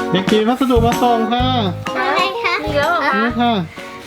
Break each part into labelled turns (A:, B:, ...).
A: เด็กจิ๋วพัสดุมาส่งค่ะ
B: อะไรคะ
C: มีแล้วเหรอคะ
A: นี่ค่ะ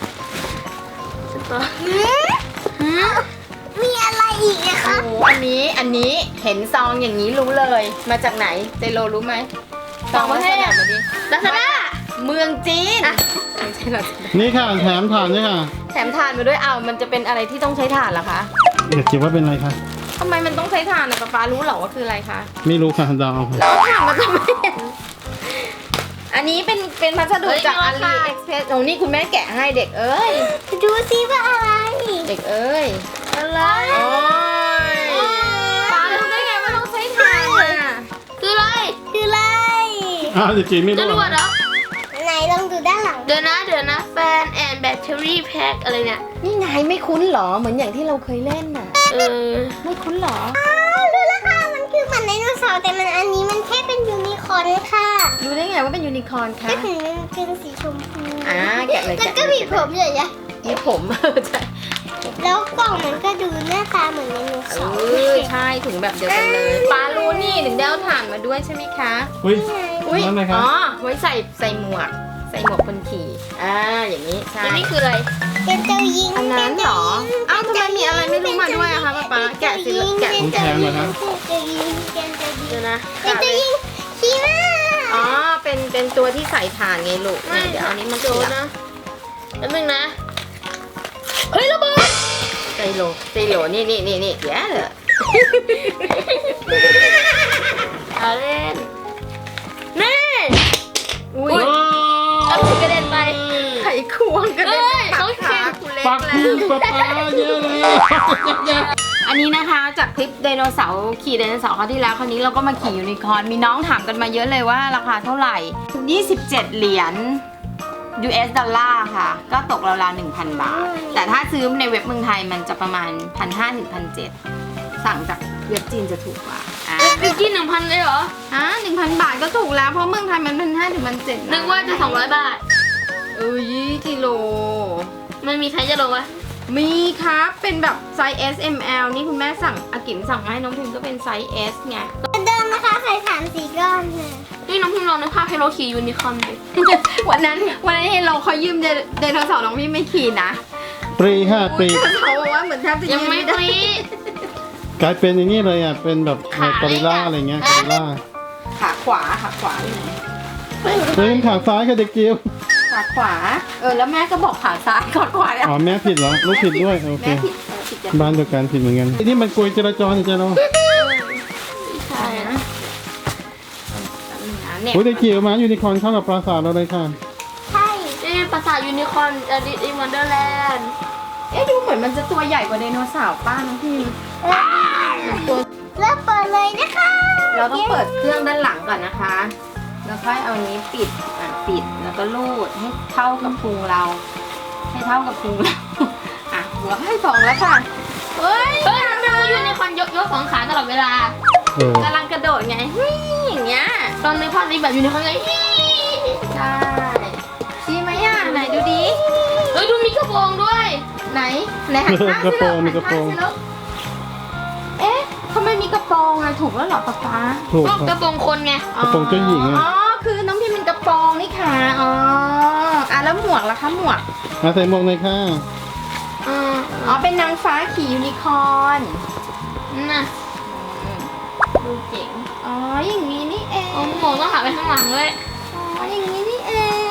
B: มีอะไรอีกนะคะ
C: โอ้โหอันนี้เห็นซองอย่างนี้รู้เลย มาจากไหนเจโรรู้ไหมซองมาจากไหนมาดิ
B: ลาซาด้า
C: เมืองจีนไม่ใช่หรอก
A: นี่ค่ะแถมถ่านด้วยค่ะ
C: แถมถ่านมาด้วยอ้าวมันจะเป็นอะไรที่ต้องใช้ถ่านเหรอคะ
A: เด็กจิ๋วว่าเป็นอะไรคะ
C: ทำไมมันต้องใช้ถ่านนะป๊ารู้เหรอว่าคืออะไรคะ
A: ไม่รู้ค่ะเดาเอาค่ะ
C: แล้วถ่านมันจะไม่เห็นอันนี้เป็นพัสดุจากอาลีเอ็กเพรสโอ้นี่คุณแม่แกะให้เด็กเอ้ย
B: ดูซิว่าอะไร
C: เด็กเอ้ย
B: อะไร
C: โอ้ยป๊ารู้ได้ไงว่าต้องใช้ถ่านอ่ะ
B: คืออะไรคืออะไร
A: อ้าวเด็กจิ๋วไม่
B: จ
A: รู้
B: ร
A: เหร
B: ว
A: อ
B: ดเหรอไหนลองดูด้านหลังเดี๋ยวนะแฟนแอนแบตเตอรี่แพ็คอะไรเนี่ย
C: นี่ไงไม่คุ้นเหรอเหมือนอย่างที่เราเคยเล่นน่ะ ไม่คุ้นเหรอ
B: รู้แล้วค่ะมันคือเหมือนไดโนเสาร์แต่อันนี้มันแค่เป็นยูนิคอร์นค่ะ
C: รู้ได้ไงว่าเป็นยูนิคอร์นคะ
B: ก็ถึงมันเป็นสีชมพู
C: แกะเลย
B: มัน
C: แกะ
B: ก็
C: เลย
B: มีผมใหญ่
C: มีผม ใช่
B: ๆแล้วกล่องมันก็ดูหน้าตาเหมือนไดโนเสาร์
C: ใช่ถุงแบบเดียวกันเลยปลารู้นี่ถึงได้เอาถ่านมาด้วยใช่ไหมคะ
A: อุ้ย
C: อุ้ย
A: นั่นอะไรคะ
C: อ๋อไว้ใส่หมวกคนขี่อย่างนี้ใช่
B: อันนี้คืออะไรเป็นเจ้าหญิง
C: อันนั้นเหรออ้าวทำไมมีอะไรไม่รู้มาด้วยอะคะป๊าแกะสิแกะ
A: ต้องแถมเหรอคะ
B: เจ้าหญิงเป็นเจ้าหญิง
C: เดี๋ยวนะ
B: เป็นเจ้าหญิงชีมา
C: อ๋อเป็นตัวที่ใส่ถ่านไงลูกเนี่ยเดี๋ยวเอานี้มาโจนะ
B: แล้วนึงนะเฮ้ยระเบิด
C: ไซโลนี่แย่เลย
B: เอาเล่นนี่
C: อุ้ย
A: โอ้
B: เอาถุงกระเด็นไป
C: ไขควงกันเลย
B: เขาเขียน
C: คุณเล็ก
A: ปัก
C: แล้ว
A: พุ่งปะปาเยอะเลย
C: อันนี้นะคะจากคลิปไดโนเสาร์ขี่ไดโนเสาร์คราวที่แล้วคราวนี้เราก็มาขี่ยูนิคอร์นมีน้องถามกันมาเยอะเลยว่าราคาเท่าไหร่ 27 เหรียญ US ดอลลาร์ค่ะ ก็ตกราวๆ 1,000 บาท แต่ถ้าซื้อในเว็บเมืองไทยมันจะประมาณ 1,500 ถึง 1,700 สั่งจากเว็บจีนจะถูกกว่า
B: ไปกิน 1,000 เลยเหรอ
C: 1,000 บาทก็ถูกแล้วเพราะเมืองไทยมัน 1,500 ถึง 1,700
B: นึกว่าจะ 200 บาท
C: กิโล
B: มันมีไซส์จะลงวะ
C: มีครับเป็นแบบไซส์ S M L นี่คุณแม่สั่งอากิมสั่งมาให้น้องพิมก็เป็นไซส์ S ไง
B: เดิมนะคะใส่3-4 ก้อนเลยนี่น้องพิมลองนึกภาพให้เราขี่ยูนิคอร์นดิ
C: วันนั้นเห็นเราเขายืมไดโนเสาร์น้องพี่ไม่ขี่นะ
A: ปรีค่ะปรี
C: เขาบอกว่าเหมือนแทบจะ
B: ยังไม่
C: ด้
B: ปรี
A: กลายเป็นอย่างนี้เลยอ่ะเป็นแบบกอริลล่าอะไรเงี้ยกอริลล่า
C: ขาขวาอยู่ไหน
A: เฮ้ยขาซ้ายค่ะเด็กจิ๋ว
C: ขาขวาแล้วแม่ก็บอกขาซ้ายขาขวาเนี่ย
A: อ๋อแม่ผิดเหรอลูกผิดด้วยโอเค
C: แม่ผิดกัน
A: บ้านเดียวกันผิดเหมือนกันไอ้นี่มันกลวยจราจรนี่จ้ะเรา
C: ใช่นะเนี่ย
A: โอ้ยเด็กจิ๋วมายูนิคอร์นเข้ากับปราสาทเราเลยค่ะ
B: ใช่นี่ปราสาทยูนิคอร์นอดิอิวันเดอร์แลนด์
C: ดูเหมือนมันจะตัวใหญ่กว่าไดโนเสาร์ป้าน้องพิมตัว
B: เริ่มเปิดเลยนะคะ
C: เราต้องเปิดเครื่องด้านหลังก่อนนะคะ แล้วค่อยเอานี้ปิดแล้วก็ลูดให้เท่ากับพุงเรา ให้เท่ากับพุงเรา หัวให้สองแล้วค่ะ
B: เฮ้ยทำไมยูนิคอร์นยกสองขาตลอดเวลา
A: เออก
C: ำลังกระโดดไงอย่างเงี้ย
B: ตอนในภาพนี้แบบยูนิคอร์นไง
C: ใช่ดีไหมอ่ะไหนดูดิ
B: เฮ้ยดูมีกระโปรงด้วย
C: ไหนหันข้าง
A: กระ
C: สิ
A: โปรง
C: ลู
A: มีกระโปรง
C: หันข้างสิลูกทำไมมีกระโปรงอ่ะถูกแล้วเหรอป๊าป๊า
A: ถูก
B: ก็
A: ค
B: ก
A: รั
B: ระ
A: บ
B: โปรงคนไง
A: กระโปรงเจ้าหญิงอะ
C: อ๋อคือน้องพิมเป็นกระโปรงนี่ค่ะแล้วหมวกล่ะคะหมวก
A: มาใส่หมวกเลยค่ะ
C: เป็นนางฟ้าขี่ยูนิคอร์น
B: น่ะดูเจ๋ง
C: อย่างนี้นี่เอง
B: โอ้โหต้องหันไปข้างหลังเลย
C: อย่างนี้นี่เอง